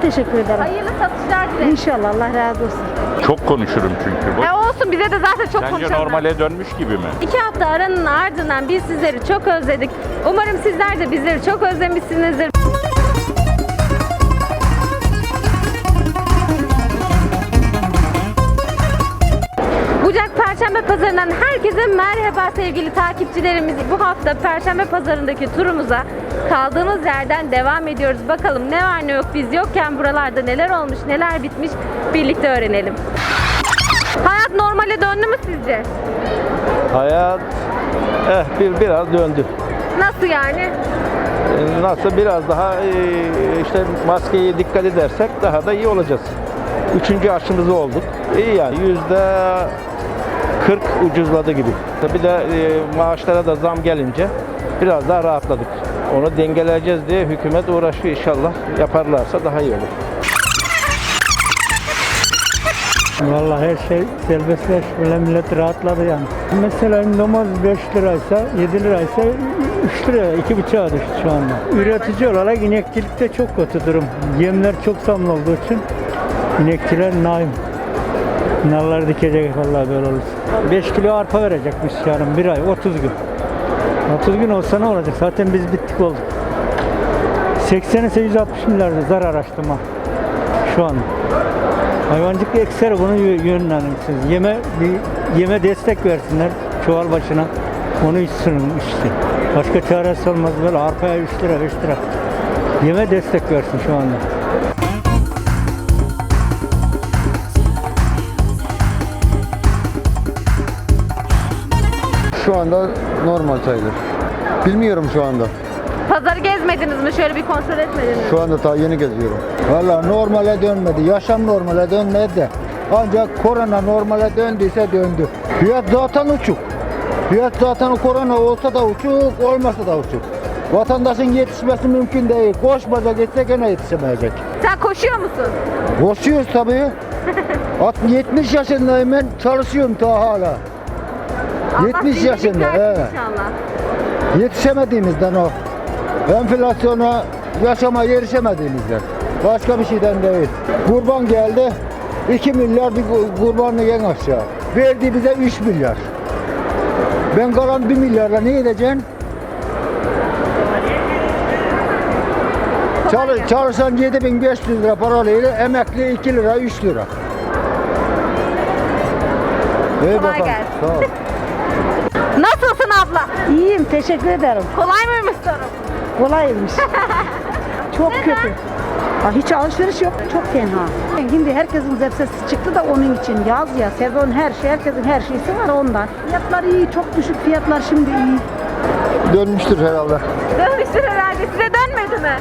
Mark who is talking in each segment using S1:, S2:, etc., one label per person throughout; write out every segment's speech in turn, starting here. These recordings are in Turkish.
S1: teşekkür ederim.
S2: Hayırlı satışlar dilerim.
S1: İnşallah Allah razı olsun.
S3: Çok konuşurum çünkü.
S2: Olsun, bize de zaten çok
S3: Sence
S2: konuşalım.
S3: normale dönmüş gibi mi?
S2: 2 hafta aranın ardından biz sizleri çok özledik. Umarım sizler de bizleri çok özlemişsinizdir. Bucak Perşembe Pazarı'ndan herkese merhaba sevgili takipçilerimiz. Bu hafta Perşembe Pazarı'ndaki turumuza kaldığımız yerden devam ediyoruz. Bakalım ne var ne yok, biz yokken buralarda neler olmuş, neler bitmiş birlikte öğrenelim. Hayat normale döndü mü sizce?
S4: Hayat biraz döndü.
S2: Nasıl yani?
S4: Nasıl biraz daha işte maskeye dikkat edersek daha da iyi olacağız. 3. aşımızı olduk. İyi yani %40 ucuzladı gibi. Bir de maaşlara da zam gelince biraz daha rahatladık. Onu dengeleyeceğiz diye hükümet uğraşıyor, inşallah yaparlarsa daha iyi olur.
S5: Vallahi her şey serbestleşmeli, millet rahatladı yani. Mesela domates 5 liraysa, 7 liraysa 3 liraya, 2,5'a düştü şu anda. Üretici olarak inekçilikte çok kötü durum. Yemler çok zamlı olduğu için inekçiler naim. Nalları dikecek vallahi böyle olursa. 5 kilo arpa verecekmiş yarın, bir ay, 30 gün. 30 gün olsa ne olacak? Zaten biz bittik olduk. 80'e 160 milyarda zarar açtım şu an. Hayvancılık ekseri bunu yönlendirirsiniz. Yeme destek versinler çuval başına. Onu içsin işte. Başka çaresi olmaz, böyle arpaya 3 lira 5 lira. Yeme destek versin şu anda.
S6: Şu anda normal sayılır. Bilmiyorum şu anda.
S2: Pazarı gezmediniz mi? Şöyle bir kontrol etmediniz mi?
S6: Şu anda daha yeni geziyorum. Vallahi normale dönmedi. Yaşam normale dönmedi de. Ancak korona normale döndüyse döndü. Fiyat zaten uçuk. Fiyat zaten korona olsa da uçuk, olmasa da uçuk. Vatandaşın yetişmesi mümkün değil. Koşmaca gitse gene yetişemeyecek.
S2: Sen koşuyor musun?
S6: Koşuyoruz tabii. 70 yaşındayım ben, çalışıyorum daha hala.
S2: Allah
S6: 70
S2: iyilik
S6: yaşında.
S2: versin
S6: Evet.
S2: İnşallah.
S6: Yetişemediğimizden o. Enflasyona, yaşama erişemediğimizden. Başka bir şeyden değil. Kurban geldi. 2 milyar bir kurbanlık en aşağı. Verdi bize 3 milyar. Ben kalan 1 milyarla ne edeceğim? Çalışan 7500 lira paralıyla, emekli 2 lira 3 lira.
S2: Kolay
S6: bakalım.
S2: gelsin.
S6: Sağ ol.
S2: Nasılsın abla?
S1: İyiyim, teşekkür ederim.
S2: Kolay mıymış sorum?
S1: Kolaymış. Çok kötü. Hiç alışveriş yok. Çok tenha. Şimdi herkesin zepsesi çıktı da onun için yaz ya, sezon her şey, herkesin her şeysi var ondan. Fiyatlar iyi, çok düşük fiyatlar şimdi iyi.
S6: Dönmüştür herhalde.
S2: Dönmüştür herhalde. Size dönmedi mi?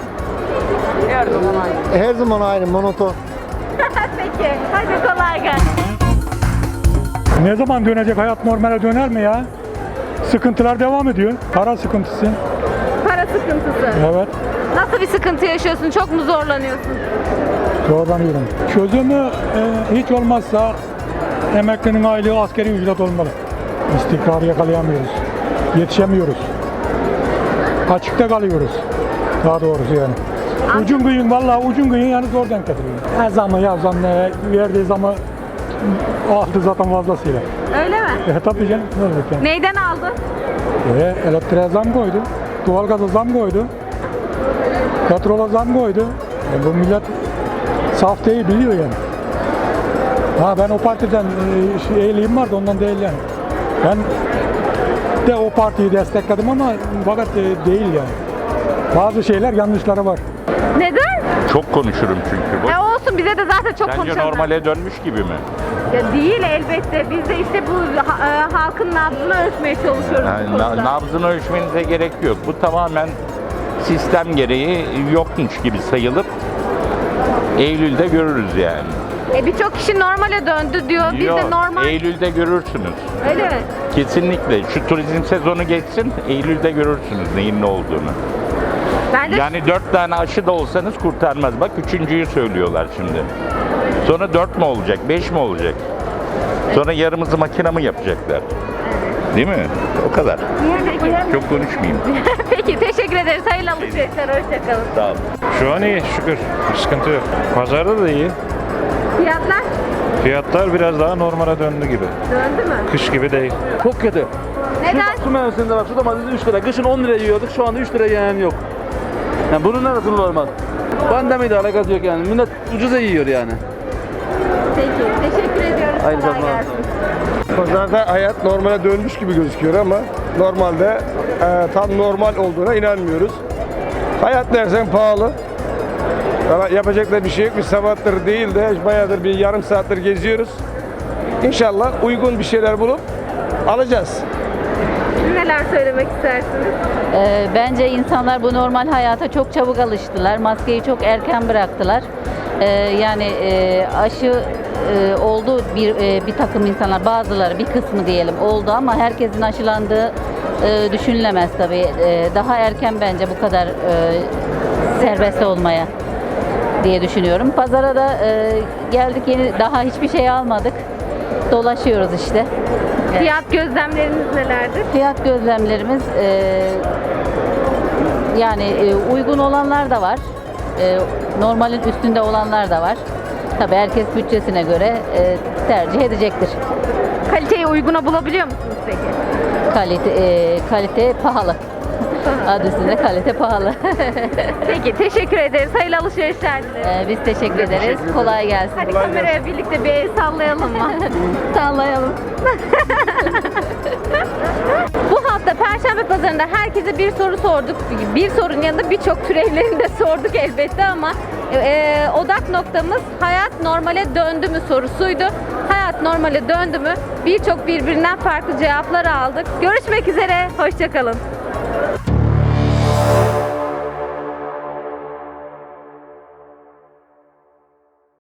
S6: Her zaman aynı, monoton.
S2: Peki. Hadi kolay gelsin.
S5: Ne zaman dönecek, hayat normale döner mi ya? Sıkıntılar devam ediyor. Para sıkıntısı.
S2: Para sıkıntısı.
S5: Evet.
S2: Nasıl bir sıkıntı yaşıyorsun? Çok mu zorlanıyorsun?
S5: Zorlanıyorum. Çözümü hiç olmazsa emeklinin aylığı asgari ücret olmalı. İstikrarı yakalayamıyoruz. Yetişemiyoruz. Açıkta kalıyoruz. Daha doğrusu yani. Ucun kıyın, vallahi ucun kıyın yani zor denk getiriyor. Her zaman ya zam verdiği zamı aldı zaten fazlasıyla.
S2: Öyle mi?
S5: Tabii canım. Ne olacak yani?
S2: Neyden aldın?
S5: Elektriğe zam koydu. Doğalgaza zam koydu. Petrola zam koydu. Bu millet saf değil, biliyor yani. Ben o partiden eğiliğim vardı, ondan değil yani. Ben de o partiyi destekledim ama fakat değil yani. Bazı şeyler yanlışları var.
S2: Neden?
S3: Çok konuşurum çünkü.
S2: Olsun, bize de zaten çok
S3: Sence
S2: konuşalım.
S3: normale dönmüş gibi mi?
S2: Ya değil elbette. Biz de işte bu halkın nabzını ölçmeye çalışıyoruz. bu konuda.
S3: Nabzını ölçmenize gerek yok. Bu tamamen sistem gereği yokmuş gibi sayılıp Eylül'de görürüz yani.
S2: Birçok kişi normale döndü diyor. Biz de normal.
S3: Eylül'de görürsünüz.
S2: Öyle mi?
S3: Kesinlikle. Şu turizm sezonu geçsin, Eylül'de görürsünüz neyin ne olduğunu.
S2: Ben de
S3: Yani 4 tane aşı da olsanız kurtarmaz. Bak 3.'yü söylüyorlar şimdi. Sonra 4 mü olacak, 5 mi olacak? Sonra yarımızı makine mi yapacaklar? Değil mi? O kadar.
S2: Peki.
S3: Çok konuşmayayım.
S2: Peki teşekkür ederiz. Hayırlı alışverişler. Hoşçakalın.
S3: Sağ olun.
S7: Şu an iyi şükür. Bir sıkıntı yok. Pazarda da iyi.
S2: Fiyatlar
S7: Fiyatlar biraz daha normale döndü gibi.
S2: döndü mü?
S7: Kış gibi değil.
S8: Çok kötü.
S2: Neden?
S8: Şu mevsimde bak şu domates 3 lira. Kışın 10 lira yiyorduk. Şu anda 3 lira yiyen yok. Yani bunun neresi normal? Pandemiyle alakası yok yani. Millet ucuza yiyor yani.
S2: Peki. Teşekkür ediyoruz.
S8: Aynı
S2: Kolay
S8: zamanda.
S2: gelsin.
S9: Pazarda hayat normale dönmüş gibi gözüküyor ama normalde tam normal olduğuna inanmıyoruz. Hayat dersen pahalı. Ama yapacak da bir şey yok. Bir sabahtır değil de bayağıdır bir yarım saattir geziyoruz. İnşallah uygun bir şeyler bulup alacağız.
S2: Siz neler söylemek istersiniz?
S10: Bence insanlar bu normal hayata çok çabuk alıştılar. Maskeyi çok erken bıraktılar. Yani aşı oldu bir takım insanlar, bazıları bir kısmı diyelim oldu ama herkesin aşılandığı düşünülemez tabii. Daha erken bence bu kadar serbest olmaya diye düşünüyorum. Pazara da geldik, yeni daha hiçbir şey almadık. Dolaşıyoruz işte.
S2: Fiyat gözlemleriniz nelerdir?
S10: Fiyat gözlemlerimiz yani uygun olanlar da var. Normalin üstünde olanlar da var. Tabii herkes bütçesine göre tercih edecektir.
S2: Kaliteyi uyguna bulabiliyor musunuz peki?
S10: Kalite pahalı. Adı üstünde kalite pahalı.
S2: Peki teşekkür ederiz. Hayırlı alışverişler dileriz.
S10: Biz teşekkür ederiz. Kolay gelsin.
S2: Hadi kameraya birlikte bir el sallayalım mı?
S10: Sallayalım.
S2: Bu hafta Perşembe Pazarı'nda herkese bir soru sorduk. Bir sorunun yanında birçok türevlerini de sorduk elbette ama odak noktamız hayat normale döndü mü sorusuydu. Hayat normale döndü mü? Birçok birbirinden farklı cevaplar aldık. Görüşmek üzere. Hoşça kalın.